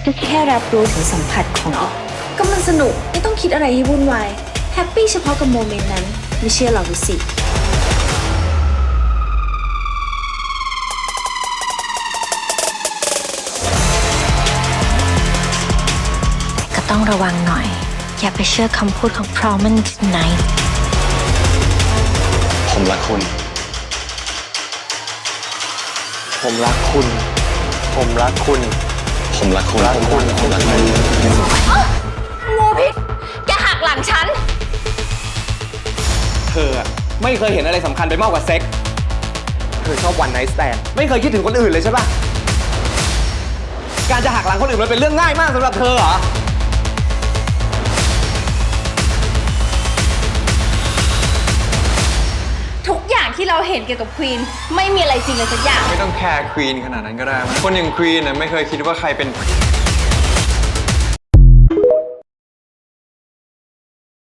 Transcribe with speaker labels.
Speaker 1: ก็แค่รับรู้ถึงสัมผัสของอีกก็มันสนุกไม่ต้องคิดอะไรให้วุ่นวายแฮปปี้เฉพาะกับโมเมนต์นั้นไม่เชื่อลองดูสิก็ต้องระวังหน่อยอย่าไปเชื่อคำพูดของ Promise Night
Speaker 2: ผมรักคุณ
Speaker 3: ผมรักคุณ ผมรักคุณ
Speaker 2: ผมรักคุณ
Speaker 3: รักคุณ
Speaker 2: ผมรักคุณ
Speaker 1: โมพิษแกหักหลังฉัน
Speaker 3: เธอไม่เคยเห็นอะไรสำคัญไปมากกว่าเซ็ก เธอชอบวันไนท์สแตนไม่เคยคิดถึงคนอื่นเลยใช่ปะการจะหักหลังคนอื่นมันเป็นเรื่องง่ายมากสำหรับเธอเหรอ
Speaker 1: ทุกอย่างที่เราเห็นเกี่ยวกับควีนไม่มีอะไรจริงเลยสักอย่าง
Speaker 4: ไม่ต้องแคร์ควีนขนาดนั้นก็ได้มั้ยคนอย่างควีนน่ะไม่เคยคิดว่าใครเป็น